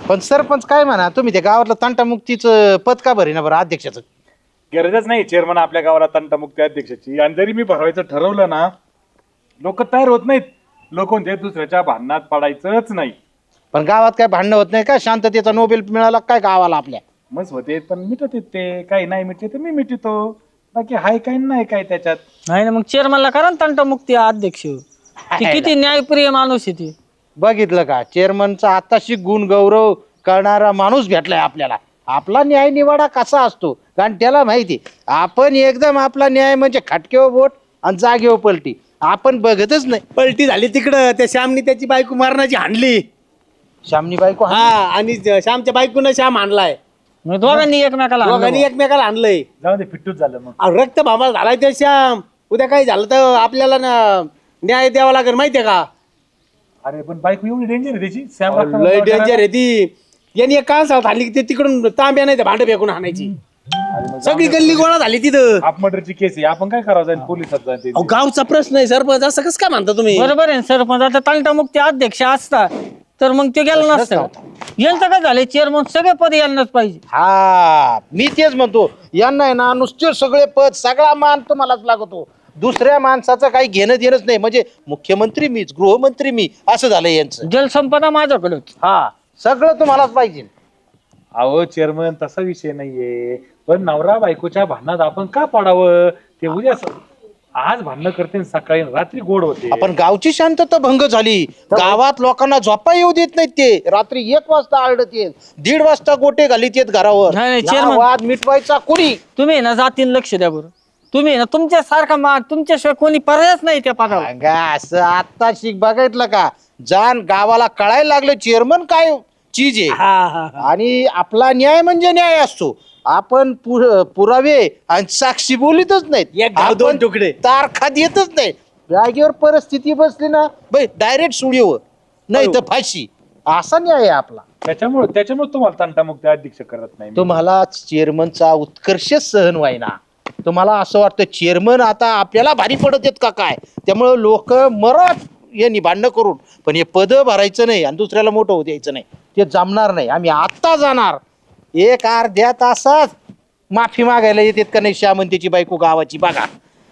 पण सरपंच काय म्हणा, तुम्ही त्या गावातलं तंटामुक्तीचं पद का भरेना बरं अध्यक्षाचं? गरजच नाही चेअरमन आपल्या गावाला तंटामुक्ती अध्यक्षाची. आणि जरी मी भरवायचं ठरवलं ना, लोक तयार होत नाहीत. लोक म्हणजे दुसऱ्याच्या भांडणात पडायचंच नाही. पण गावात काय भांडणं होत नाही का? शांततेचा नोबेल मिळाला काय गावाला आपल्या? मस्त होते पण मिटत ते, काही नाही मिटते तर मी मिटतो. बाकी हाय काही नाही काय त्याच्यात. नाही ना, मग चेअरमनला करा ना तंटमुक्ती अध्यक्ष. ती किती न्यायप्रिय माणूस आहे ती. बघितलं का, चेअरमनचा आताशी गुण गौरव करणारा माणूस भेटलाय आपल्याला. आपला न्याय निवाडा कसा असतो कारण त्याला माहिती, आपण एकदम आपला न्याय म्हणजे खटकेवर बोट आणि जागेवर पलटी. आपण बघतच नाही. पलटी झाली तिकडं, त्या श्यामनी त्याची बायको मारण्याची हाणली. श्यामनी बायको हा, आणि श्यामच्या बायकोनं श्याम हाणलाय. मग दोघांनी एकमेकाला हाणलं दोघांनी एकमेकाला हाणलंय. जाऊ दे, फिट्टूच झालं मग. अहो, रक्त भामाला झालाय ते श्याम. उद्या काही झालं तर आपल्याला ना न्याय द्यावा लागेल माहितीये का? अरे पण बायको एवढी डेंजर आहे त्याची. सॅम लय डेंजर आहे ती. यांनी एक कांसाळात हाणली की ते तिकडून तांब्या नाही भांड फेकून हाणायची. सगळी गल्ली गोळा झाली तिथं. हाफ मर्डरची केस आहे. आपण काय करावं, जाईल पोलिसात जाईल. अहो, गावचा प्रश्न आहे सरपंच, असं कसं काय म्हणता तुम्ही? बरोबर आहे सरपंच. आता तंटमुक्ती अध्यक्ष असता तर मग ते गेलं नसतं. यांचं काय झालंय, चेअरमन सगळे पद यांनाच पाहिजे. हा, मी तेच म्हणतो, यांना आहे ना नुसते सगळे पद, सगळा मान तुम्हालाच लागतो. दुसऱ्या माणसाचं काही घेणं देणंच नाही. म्हणजे मुख्यमंत्री मीच, गृहमंत्री मी, असं झालं यांचं. जलसंपदा माझ्याकडेच. हा, सगळं तुम्हालाच पाहिजे. अहो चेअरमन, तसा विषय नाहीये. पण नवरा बायकोच्या भांडणात आपण का पडावं? ते उद्या आज भांडणं करते आणि सकाळी रात्री गोड होते. आपण गावची शांतता भंग झाली. गावात लोकांना झोपा येऊ देत नाहीत. ते रात्री 1 वाजता आरडत येत, 1:30 वाजता गोटे घालीत येत घरावर. नाही, या chairman. वाद मिटवायचा कोणी? तुम्ही ना जातीन लक्ष द्या बरं. तुम्ही ना तुमच्यासारखा तुमच्याशिवाय कोणी पर्यायच नाही त्या पदाला. अगं, असं आता शिक बघितलं का, जाण गावाला कळायला लागलं चेअरमन काय चीज आहे. आणि आपला न्याय म्हणजे न्याय असतो. आपण पुरावे आणि साक्षी बोलितच नाहीत. एक गाव दोन तुकडे. तारखा देतच नाही. जागेवर परिस्थिती बसली ना बाई, डायरेक्ट सुडिओ नाही तर फाशी. असा न्याय आहे आपला. त्याच्यामुळे तुम्हाला तंटामुक्ती अध्यक्ष करत नाही मी. तुम्हाला चेअरमनचा उत्कर्ष सहन व्हायना. तुम्हाला असं वाटतं चेअरमन आता आपल्याला भारी पडत आहेत का काय, त्यामुळे लोक मरत यांनी भांडणं करून. पण हे पद भरायचं नाही आणि दुसऱ्याला मोठं होऊ द्यायचं नाही. ते जमणार नाही. आम्ही आत्ता जाणार. 1-अर्ध्या तासात माफी मागायला येतात का नाही श्यामंतीची बायको गावाची बघा.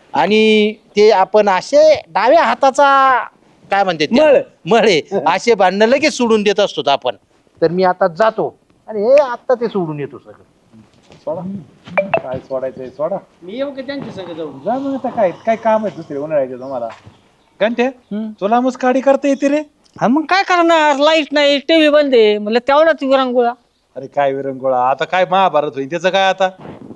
आणि ते आपण असे डाव्या हाताचा काय म्हणते मळे असे भांडणं लगेच सोडून देत असतो आपण. तर मी आता जातो आणि हे आता ते सोडून येतो सगळं. सोडा, काय सोडायचंय सोडा. मी येऊ का त्यांच्या संग जाऊ? जा मग, आता काय काम आहे दुसरे उन्हाळ्याचे तुम्हाला? घंटे तुला मुस्काडी करता येते रे? हा, मग काय करणार, लाईट नाही, टीव्ही बंद आहे, म्हणलं तेवढाच विरंगुळा. अरे काय विरंगुळा, आता काय महाभारत होईल त्याचं काय आता?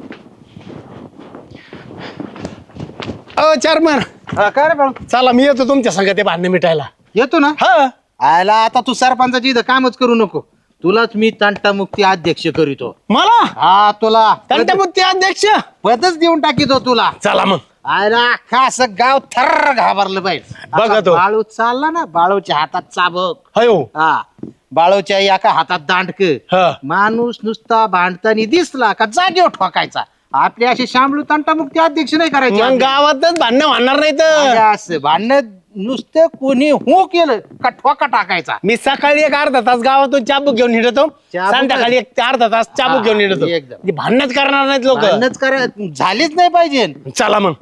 चेअरमन, काय रे बाळू? चला मी येतो तुमच्या संग ते भांडण मिटायला. येतो ना. हा, आयला आता तू सरपंचाची इथं कामच करू नको. तुलाच मी तंटामुक्ती अध्यक्ष करीतो. मला हा, तुला तंटमुक्ती अध्यक्ष पदच देऊन टाकीतो तुला. चला मग. आयला अख्खा असं गाव थर्र घाबरलं पाहिजे. बघा तो. बाळू चालला ना, बाळूच्या हातात चाबक. हयो. हा, बाळूच्या एका हातात दांडक. हा. माणूस नुसता भांडताना दिसला का जागेवर ठोकायचा. आपले असे शामलू तंटामुक्ती अध्यक्ष नाही मग करायचे. गावातच भांडणं होणार नाही तर. असं भांडण नुसतं कोणी हो केलं का ठोका टाकायचा. मी सकाळी 1-अर्धा तास गावातून चाबूक घेऊन हिंडतो, चाबूक? संध्याकाळी 1-अर्धा तास चाबूक घेऊन हिंडतो. एकदम. ती भांडणच करणार नाहीत लोक. भांडणच झालीच नाही पाहिजे. चला मग.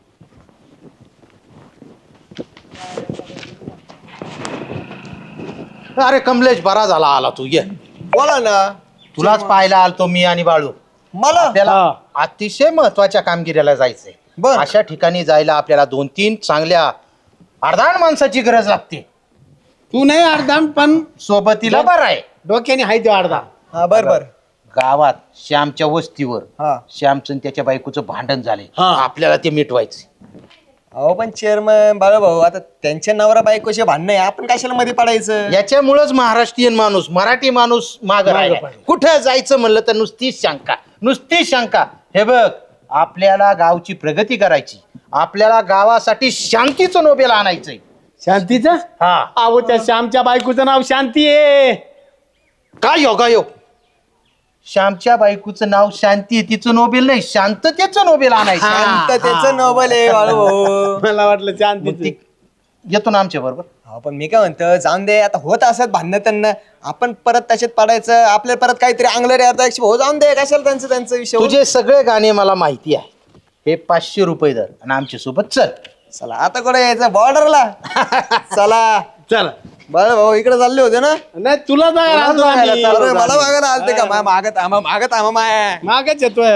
अरे कमलेश, बरा झाला आला तू. ये, बोला ना. तुलाच पाहायला आलतो मी आणि बाळू. मला आपल्याला अतिशय महत्वाच्या कामगिरीला जायचंय. बर. अशा ठिकाणी जायला आपल्याला 2-3 चांगल्या अर्धाण माणसाची गरज लागते. तू नाही अर्धा, पण सोबतीला बरं आहे. डोक्याने हाय तो अर्धा. हा बर बर. गावात श्यामच्या वस्तीवर हा. श्यामचं आणि त्याच्या बायकोचं भांडण झाले. हा. आपल्याला ते मिटवायचे. अहो पण चेअरमन बाळूभाऊ, आता त्यांच्या नवरा बायकोचे भांडण आहे, आपण कशाला मध्ये पडायचं? याच्यामुळेच महाराष्ट्रीयन माणूस, मराठी माणूस माग राहिला. कुठं जायचं म्हणलं तर नुसतीच शंका, नुसतीच शंका. हे बघ, आपल्याला गावची प्रगती करायची, आपल्याला गावासाठी शांतीचं नोबेल आणायचंय. शांतीचं? हा, अहो त्या श्यामच्या बायकोचं नाव शांती आहे. काय योगायोग. श्यामच्या बायकोचं नाव शांती आहे, तिचं नोबेल नाही, शांततेचं नोबेल आणायचं. शांततेचं नोबल आहे बाळूभाऊ. मला वाटलं मग शांती. ती येतो ना आमच्या बरोबर. अहो, पण मी काय म्हणतो जाऊन दे, आता होत असत भांडणं त्यांना, आपण परत त्याच्यात पडायचं, आपल्याला परत काहीतरी अंगलर अर्धा हो जाऊन दे, कशाला त्यांचं विषय होईल. तुझे सगळे गाणे मला माहिती आहे. हे 500 रुपये दर आणि आमच्या सोबत चल. चला आता कुठे यायचं बॉर्डरला. चला चल बाळ भाऊ इकडे चालले होते ना. नाही तुला जायला आणतो आम्ही. अरे, मला मागायला आलते का मागत आम्हा माय मागच येतोय.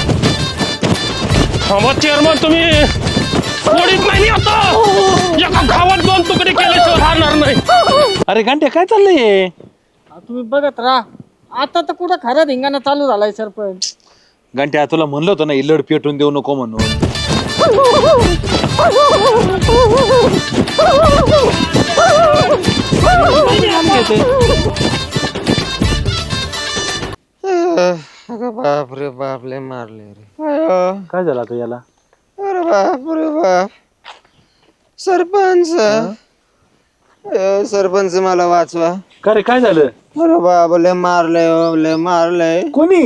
चेअरमन तुम्ही थोडीच नाही आता एका गावात 2 तुकडे केल्याशिवाय राहणार नाही. अरे घंटे काय चाललंय? तुम्ही बघत राहा. आता तर कुठं खरं धिंगाणा चालू झालाय सरपंच. घंट्या तुला म्हणलं होतं ना इलड पेटून देऊ नको म्हणून. बाप रे बाप लय मारले रे. काय झालं आता याला? अरे बाप सरपंच सरपंच मला वाचवा. का रे काय झालं? अरे बाप लय मारलंय. कोणी?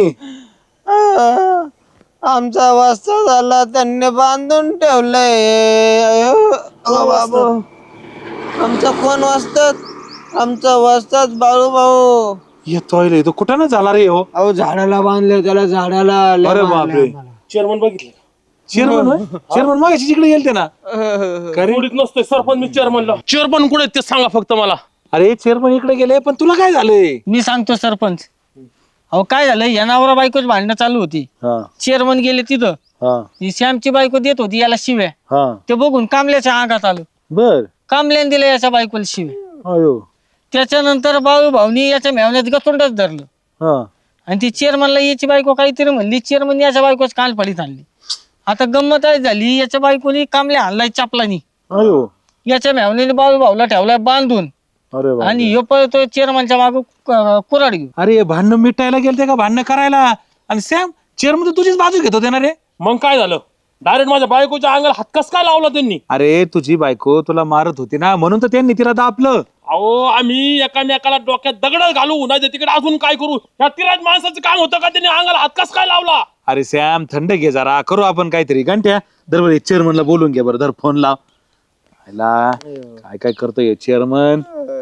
आमचा वाजता झाला त्यांनी बांधून ठेवलंय. बाबू आमचा कोण वाजतात? आमचा वाजतात बाळू भाऊ. येतोय तो कुठं ना झाला रे हो? अहो झाडाला बांधले त्याला झाडाला. अरे बापरे. चेअरमन बघितलं चेअरमन मागाशी जिकडे गेलते ना. थोडीच नसतोय सरपंच मी चेअरमनला. चेअरमन कुठे ते सांगा फक्त मला. अरे चेअरमन इकडे गेले पण तुला काय झालंय? मी सांगतो सरपंच. अहो काय झालं, या नवरा बायकोच भांडणं चालू होती. चेअरमन गेले तिथं. ही श्यामची बायको देत होती याला शिव्या. ते बघून कामल्याच्या अंगात आलं. बर. कामल्याने दिलं याच्या बायकोला शिव्या. अयो. त्याच्यानंतर बाळू भाऊनी याच्या मेवण्यात गतोंडच धरलं. आणि ती चेअरमनला याची बायको काहीतरी म्हणली. चेअरमन याच्या बायकोच कान फाडीत आणली. आता गंमत आहे झाली, याच्या बायकोनी कामल्या आणलाय चापलानी. अयो. याच्या मेवण्याने बाळू भाऊला ठेवलाय बांधून. अरे आणि ह्यो पळतो चेअरमनच्या माग कुराड घेऊ. अरे भांडणं मिटायला गेलते का भांडणं करायला? आणि सॅम चेअरमन तर तुझीच बाजू घेत होते ना रे. मग काय झालं? डायरेक्ट माझ्या बायकोच्या अंगाला हात कस काय लावला त्यांनी? अरे तुझी बायको तुला मारत होती ना म्हणून तर त्यांनी तिला दापलं. अहो आम्ही एकामेकाला डोक्यात दगड घालू नाही तिकडे अजून काय करू? ह्या तिराज माणसाचं काम होतं का? त्यांनी अंगाला हात कस काय लावला? अरे सॅम थंड घे जरा, करू आपण काहीतरी. घंट्या दरबार चेअरमनला बोलून घे बरं. धर फोन लाव. काय काय करतोय चेअरमन?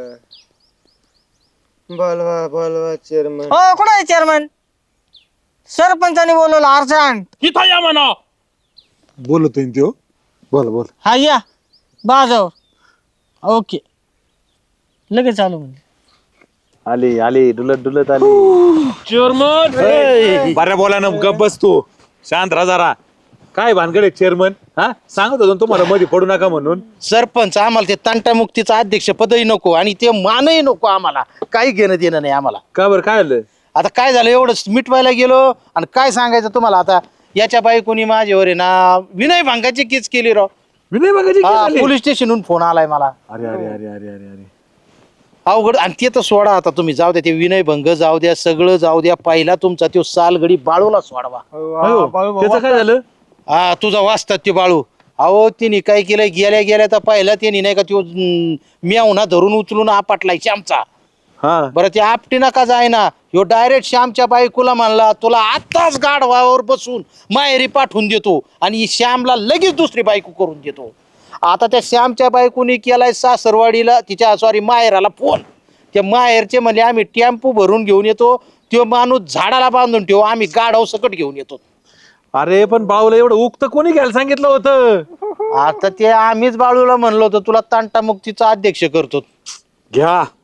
बोलवा चेअरमन. हो कुठं आहे चेअरमन? सरपंचाने बोलवलं अर्जंट. इथं या म्हणा. बोलतोय तो. बोल बोल. हा या बाजावर. ओके लगेच आलो म्हणजे. आली डुलत आली. चेअरमन बऱ्या बोला ना, गप बस तू. शांत राहा जरा. काय भानगड चेअरमन? सांगत होतो ना तुम्हाला मध्ये पडू नका म्हणून. सरपंच आम्हाला ते तंटामुक्तीचं अध्यक्ष पदही नको आणि ते मानही नको. आम्हाला काही घेणं देणं नाही आम्हाला. का बरं काय आलं? आता काय झालं, एवढं मिटवायला गेलो आणि काय सांगायचं तुम्हाला. आता याच्या बायकोनी माझ्यावर आहे ना विनय भांगाची केस केली राव. विनय बघायची. पोलीस स्टेशनहून फोन आलाय मला. अरे अरे अरे अरे अरे अरे. अवघड. आणि ते तर सोडा आता तुम्ही, जाऊ द्या ते विनय भंग जाऊ द्या, सगळं जाऊ द्या. पहिला तुमचा तो सालगडी बाळूला सोडवा. त्याचं काय झालं? हा तुझा वाचतात ते बाळू. अहो तिने काय केलं, गेल्या तर पहिला त्याने नाही का तो म्यावना धरून उचलून आपटलाय श्यामचा. बरं ते आपटी नका जाय ना, ह्यो डायरेक्ट श्यामच्या बायकोला म्हणला तुला आताच गाढवावर बसून माहेरी पाठवून देतो आणि श्यामला लगेच दुसरी बायको करून देतो. आता त्या श्यामच्या बायकोनी केलाय सासरवाडीला, तिच्या सॉरी माहेराला फोन. त्या माहेरचे म्हणले आम्ही टेम्पो भरून घेऊन येतो, तो माणूस झाडाला बांधून ठेवू, आम्ही गाढव सकट घेऊन येतो. अरे पण बाळूला एवढं उक्त कोणी घ्यायला सांगितलं होतं? आता ते आम्हीच बाळूला म्हणलो होतो तुला तंटामुक्तीचा अध्यक्ष करतो. घ्या